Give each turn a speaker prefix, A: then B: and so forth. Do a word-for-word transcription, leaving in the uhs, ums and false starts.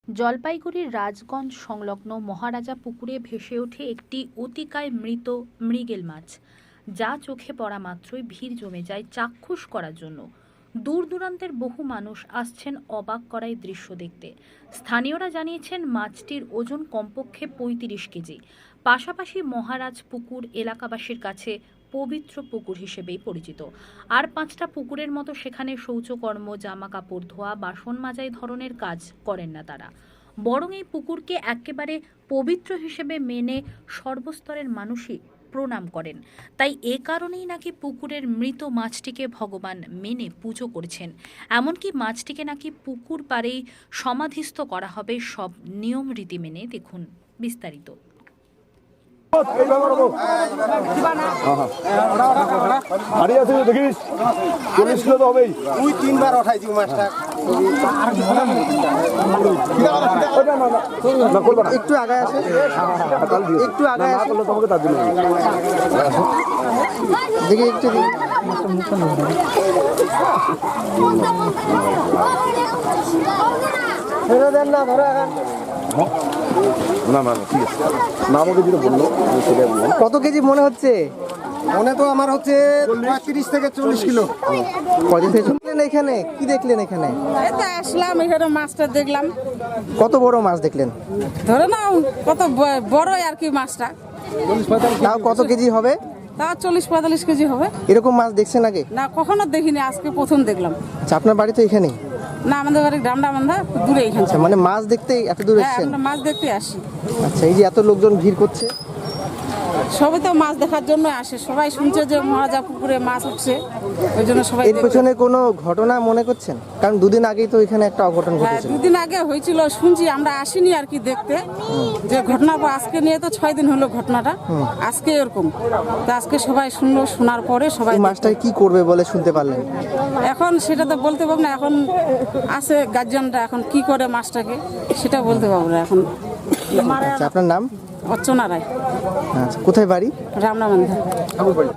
A: জলপাইগুড়ির রাজগঞ্জ সংলগ্ন মহারাজা পুকুরে ভেসে ওঠে একটি অতিকায় মৃত মৃগেল মাছ, যা চোখে পড়া মাত্রই ভিড় জমে যায় চাক্ষুষ করার জন্য। দূর দূরান্তের বহু মানুষ আসছেন অবাক করা এই দৃশ্য দেখতে। স্থানীয়রা জানিয়েছেন মাছটির ওজন কমপক্ষে পঁয়ত্রিশ কেজি। পাশাপাশি মহারাজ পুকুর এলাকাবাসীর কাছে পবিত্র পুকুর হিসেবেই পরিচিত। আর পাঁচটা পুকুরের মতো সেখানে শৌচকর্ম, জামা কাপড় ধোয়া, বাসন মাজাই ধরনের কাজ করেন না তারা, বরং এই পুকুরকে একেবারে পবিত্র হিসেবে মেনে সর্বস্তরের মানুষই প্রণাম করেন। তাই এ কারণেই নাকি পুকুরের মৃত মাছটিকে ভগবান মেনে পুজো করছেন। এমনকি মাছটিকে নাকি পুকুর পাড়েই সমাধিস্থ করা হবে সব নিয়ম রীতি মেনে। দেখুন বিস্তারিত।
B: দেখিস চল্লিশ কিলো তো হবেই।
C: দুই তিনবার ওঠাইছি মাছটা। একটু আগায় আসে, একটু আগায় আসে তোমাকে তার জন্য দেখি একটু দেন না ধরে
B: না না ঠিক আছে না, আমাকে যেটা বললো সেটাই বললাম।
C: কত কেজি মনে হচ্ছে? মনে তো আমার হচ্ছে পঁয়ত্রিশ থেকে চল্লিশ কিলো। কদিন থেকে শুনলেন এখানে? কি দেখলেন এখানে?
D: এই তো আসলাম, এখানে মাছটা দেখলাম।
C: কত বড় মাছ দেখলেন?
D: ধরে নাও কত ব- বড় আর কি মাছটা।
C: তাও কত কেজি হবে?
D: তাও চল্লিশ পঁয়তাল্লিশ কেজি হবে।
C: এরকম মাছ দেখছেন আগে?
D: না, কখনো দেখিনি, আজকে প্রথম দেখলাম।
C: আচ্ছা, আপনার বাড়ি তো এখানেই?
D: না, আমাদের বাড়ি ডান্ডা বান্ধা দূরে এখানে।
C: আচ্ছা, মানে মাছ দেখতে এত দূর
D: হ্যাঁ,
C: এসেছেন?
D: আমরা মাছ দেখতে আসি।
C: আচ্ছা, এই যে এত লোকজন ভিড় করছে,
D: সবাই তো মাছ দেখার জন্য আসে। সবাই শুনছে যে মহারাজা পুকুরে মাছ উঠছে, ওই জন্য সবাই
C: এর
D: দেখবে।
C: পেছনে কোনো ঘটনা মনে করছেন? কারণ দুদিন আগেই তো এখানে একটা অঘটন
D: হ্যাঁ,
C: ঘটেছে।
D: দুদিন আগে হয়েছিল শুনছি, আমরা আসিনি আর কি দেখতে যে ঘটনা। আজকে নিয়ে তো ছয় দিন হলো ঘটনাটা, আজকে এরকম। তো আজকে সবাই শুনলো, শোনার পরে সবাই
C: এই মাছটাকে কি করবে বলে শুনতে পারলেন?
D: এখন সেটা তো বলতে পারবো না। এখন আছে গার্জিয়ানরা, এখন কি করে মাছটাকে সেটা বলতে পারবো না এখন।
C: আচ্ছা, আপনার নাম?
D: অর্চনা রায়,
C: আচ্ছা, কোথায় বাড়ি?
D: রামনামান্ধা।